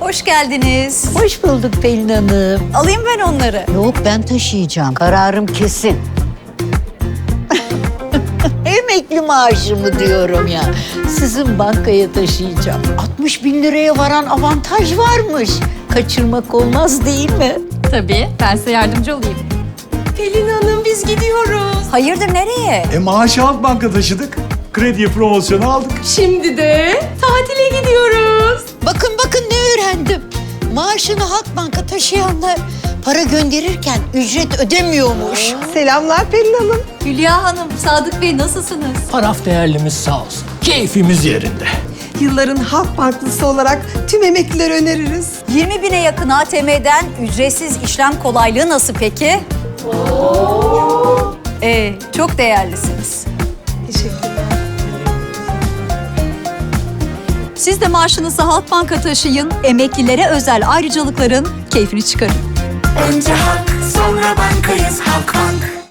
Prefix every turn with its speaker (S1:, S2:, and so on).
S1: Hoş geldiniz.
S2: Hoş bulduk Pelin Hanım.
S1: Alayım ben onları.
S2: Yok, ben taşıyacağım. Kararım kesin. Emekli maaşımı diyorum ya. Sizin bankaya taşıyacağım. 60 bin liraya varan avantaj varmış. Kaçırmak olmaz değil mi?
S3: Tabii, ben size yardımcı olayım.
S4: Pelin Hanım biz gidiyoruz.
S1: Hayırdır nereye?
S5: Maaşı Halkbank'a taşıdık. Krediye promosyonu aldık.
S4: Şimdi de tatile gidiyoruz.
S2: Bakın ne öğrendim. Maaşını Halkbank'a taşıyanlar para gönderirken ücret ödemiyormuş.
S4: Selamlar Pelin Hanım.
S1: Hülya Hanım, Sadık Bey nasılsınız?
S6: Taraf değerlimiz sağ olsun. Keyfimiz yerinde.
S4: Yılların halk banklısı olarak tüm emeklileri öneririz.
S1: 20 bine yakın ATM'den ücretsiz işlem kolaylığı nasıl peki? Çok değerlisiniz.
S4: Teşekkürler.
S1: Siz de maaşınızı Halkbank'a taşıyın, emeklilere özel ayrıcalıkların keyfini çıkarın.
S7: Önce halk, sonra bankayız Halkbank.